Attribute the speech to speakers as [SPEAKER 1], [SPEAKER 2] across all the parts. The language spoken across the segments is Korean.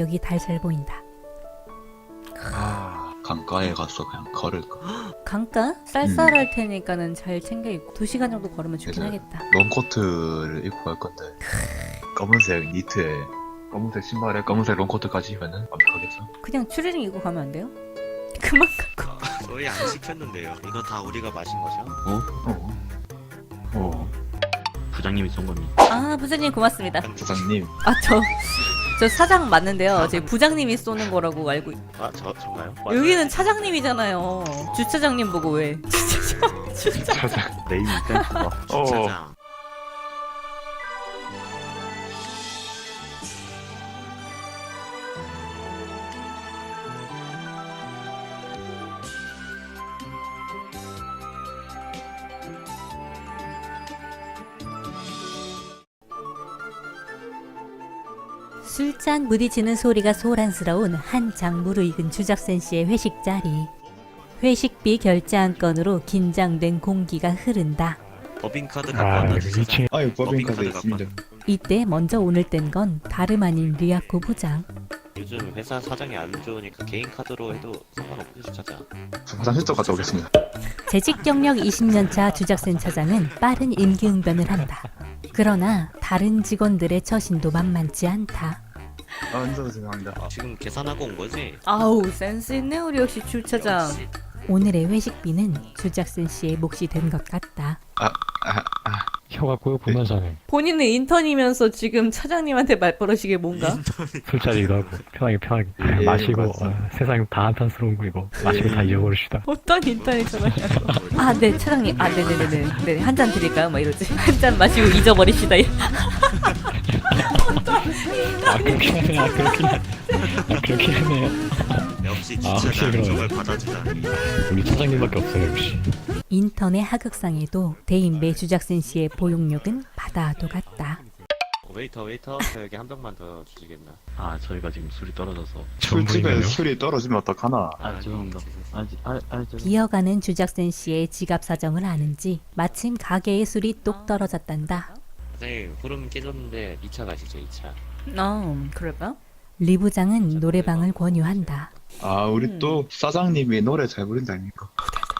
[SPEAKER 1] 여기 달잘 보인다.
[SPEAKER 2] 아, 강가에 가서 그냥 걸을까.
[SPEAKER 1] 강가? 쌀쌀할 테니까는 잘 챙겨 입고 2시간 정도 걸으면 좋긴
[SPEAKER 2] 그래서
[SPEAKER 1] 하겠다.
[SPEAKER 2] 롱코트를 입고 갈 건데 검은색 니트에 검은색 신발에 검은색 롱코트까지 입으면 완벽하겠죠?
[SPEAKER 1] 그냥 추리닝 입고 가면 안 돼요? 그만 갖고.
[SPEAKER 3] 저희 안 시켰는데요. 이거 다 우리가 마신 거죠?
[SPEAKER 4] 부장님이 쏜 겁니다.
[SPEAKER 1] 아, 부장님 고맙습니다.
[SPEAKER 2] 부장님
[SPEAKER 1] 아, 저 사장 맞는데요. 제 부장님이 쏘는 거라고 알고
[SPEAKER 3] 아, 저인가요?
[SPEAKER 1] 여기는 차장님이잖아요. 주차장님 보고 왜?
[SPEAKER 2] 차장
[SPEAKER 4] 네임 센스가.
[SPEAKER 3] 주차장.
[SPEAKER 1] 술잔 부딪히는 소리가 소란스러운 한창 무르익은 주작센 씨의 회식 자리. 회식비 결제 한 건으로 긴장된 공기가 흐른다.
[SPEAKER 3] 법인카드 갖고 왔나 주차장.
[SPEAKER 2] 아유
[SPEAKER 3] 법인카드 있습니다.
[SPEAKER 1] 이때 먼저 오늘 뗀 건 다름 아닌 리아코 부장.
[SPEAKER 3] 요즘 회사 사정이 안 좋으니까 개인 카드로 해도 상관없는 주차장.
[SPEAKER 2] 화장실 좀 갔다 오겠습니다.
[SPEAKER 1] 재직 경력 20년차 주작센 차장은 빠른 임기응변을 한다. 그러나 다른 직원들의 처신도 만만치 않다.
[SPEAKER 2] 아 앉아서 죄송합니다.
[SPEAKER 3] 지금 계산하고 온 거지?
[SPEAKER 1] 아우, 센스 있네 우리 역시 주차장. 오늘의 회식비는 주작센 씨의 몫이 된 것 같다.
[SPEAKER 5] 혀가 꼬여보면서 하네.
[SPEAKER 1] 본인은 인턴이면서 지금 차장님한테 말버릇이게 뭔가?
[SPEAKER 5] 술자리기도 하고 편하게
[SPEAKER 2] 예,
[SPEAKER 5] 마시고
[SPEAKER 2] 맞습니다.
[SPEAKER 5] 세상 다 한탄스러운 거 이거 마시고 다 잊어버립시다.
[SPEAKER 1] 어떤 인턴이 전화냐고. 아, 네, 차장님. 아, 네네네네. 네, 한 잔 드릴까요? 막 이러지. 한 잔 마시고 잊어버립시다.
[SPEAKER 5] 그렇긴 하네요.
[SPEAKER 3] 역시
[SPEAKER 5] 확실히
[SPEAKER 3] 주차장
[SPEAKER 5] 그러네.
[SPEAKER 3] 저걸 받아주다니.
[SPEAKER 5] 우리 차장님밖에 없어요 역시.
[SPEAKER 1] 인턴의 하극상에도 대인배 주작센 씨의 보용력은 바다도 같다.
[SPEAKER 3] 웨이터, 저 여기 한 병만 더 주시겠나?
[SPEAKER 4] 아 저희가 지금 술이 떨어져서.
[SPEAKER 2] 술집에
[SPEAKER 5] 전부이네요.
[SPEAKER 2] 술이 떨어지면 어떡하나.
[SPEAKER 4] 아 죄송합니다.
[SPEAKER 1] 기어가는 주작센 씨의 지갑 사정을 아는지 마침 가게의 술이 똑 떨어졌단다.
[SPEAKER 3] 선생님, 후름 깨졌는데 2차 가시죠, 2차.
[SPEAKER 1] 그럴까? 리 부장은 노래방을 권유한다.
[SPEAKER 2] 아 우리 또 사장님이 노래 잘 부른다 아닙니까?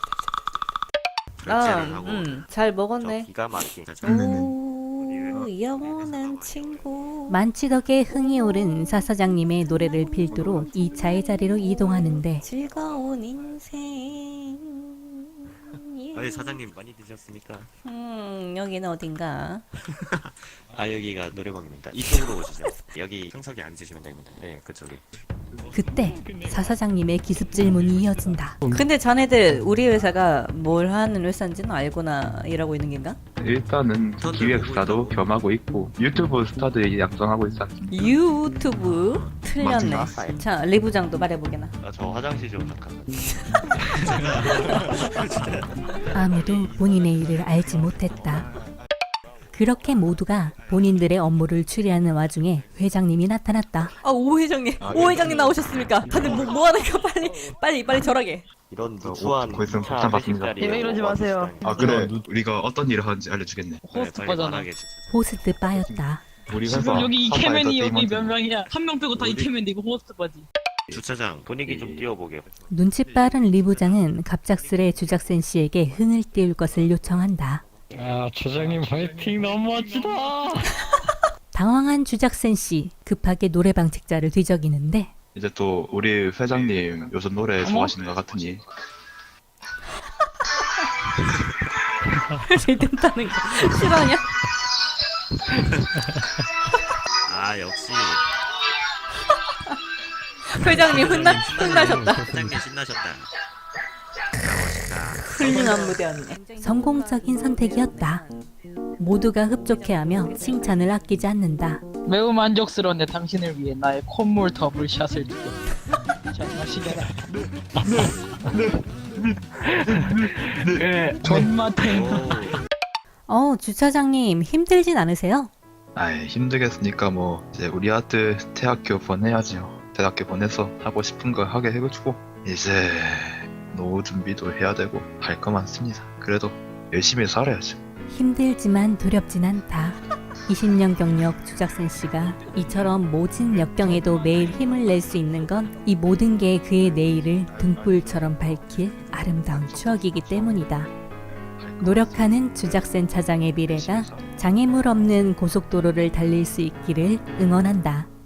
[SPEAKER 3] 결제를 하고
[SPEAKER 1] 잘
[SPEAKER 3] 저
[SPEAKER 1] 먹었네.
[SPEAKER 3] 기가 막힌
[SPEAKER 1] 오, 영원한 친구. 만취덕에 흥이 오른 사사장님의 노래를 필두로 2차의 자리로 이동하는데 즐거운 인생.
[SPEAKER 3] 아니 사장님 많이 드셨습니까?
[SPEAKER 1] 여기는 어딘가?
[SPEAKER 3] 아 여기가 노래방입니다. 이쪽으로 오시죠. 여기 형석이 앉으시면 됩니다. 네 그쪽에.
[SPEAKER 1] 그때 사사장님의 기습 질문이 이어진다. 근데 자네들 우리 회사가 뭘 하는 회사인지는 알고나 일하고 있는 겐가?
[SPEAKER 2] 일단은 기획사도 겸하고 있고 유튜브 스타도 양성하고 있지 않습니까?
[SPEAKER 1] 유튜브? 틀렸네.
[SPEAKER 2] 맞지?
[SPEAKER 1] 자, 리 부장도 말해보게나.
[SPEAKER 3] 아, 저 화장실 좀 잠깐만.
[SPEAKER 1] 아무도 본인의 일을 알지 못했다. 그렇게 모두가 본인들의 업무를 추리하는 와중에 회장님이 나타났다. 아, 오 회장님, 오 회장님 나오셨습니까? 다들 뭐 하는가 빨리 절하게.
[SPEAKER 3] 이런 누추한
[SPEAKER 2] 곧 있으면
[SPEAKER 3] 차
[SPEAKER 2] 폭탄 받습니다.
[SPEAKER 3] 회식 자리에
[SPEAKER 6] 네, 이러지 마세요.
[SPEAKER 2] 아 그래 우리가 어떤 일을 하는지 알려주겠네.
[SPEAKER 6] 호스트
[SPEAKER 3] 빨리
[SPEAKER 6] 바잖아.
[SPEAKER 3] 말하게 해주세요.
[SPEAKER 1] 호스트 바였다.
[SPEAKER 2] 우리 회사
[SPEAKER 6] 지금 여기
[SPEAKER 2] 사사
[SPEAKER 6] 이케맨이 여기 몇
[SPEAKER 2] 엔터테인먼트.
[SPEAKER 6] 명이야? 한 명 빼고 다
[SPEAKER 3] 우리-
[SPEAKER 6] 이케맨인데 이거 호스트 바지.
[SPEAKER 3] 주차장 분위기 좀 띄워보게.
[SPEAKER 1] 눈치 빠른 리 부장은 갑작스레 주작센 씨에게 흥을 띄울 것을 요청한다.
[SPEAKER 5] 아 차장님 화이팅 너무 멋지다.
[SPEAKER 1] 당황한 주작센 씨 급하게 노래방 책자를 뒤적이는데
[SPEAKER 2] 이제 또 우리 회장님 요즘 노래 좋아하시는 것 같으니
[SPEAKER 1] 들뜬다는 거 싫어하냐?
[SPEAKER 3] 아 역시
[SPEAKER 1] 회장님 흥나셨다.
[SPEAKER 3] 사장님 신나셨다.
[SPEAKER 1] 훌륭한 무대였네. 성공적인 선택이었다. 모두가 흡족해하며 칭찬을 아끼지 않는다.
[SPEAKER 6] 매우 만족스러운데 당신을 위해 나의 콧물 더블샷을 주고. 자 마시게라. 존맛탱.
[SPEAKER 1] 주차장님 힘들진 않으세요?
[SPEAKER 2] 아이 힘들겠으니까 뭐 이제 우리 아들 대학교 보내야죠. 대학교 보내서 하고 싶은 거 하게 해주고 이제 노후 준비도 해야 되고 할 거 많습니다. 그래도 열심히 살아야죠.
[SPEAKER 1] 힘들지만 두렵진 않다. 20년 경력 주작센 씨가 이처럼 모진 역경에도 매일 힘을 낼 수 있는 건 이 모든 게 그의 내일을 등불처럼 밝힐 아름다운 추억이기 때문이다. 노력하는 주작센 차장의 미래가 장애물 없는 고속도로를 달릴 수 있기를 응원한다.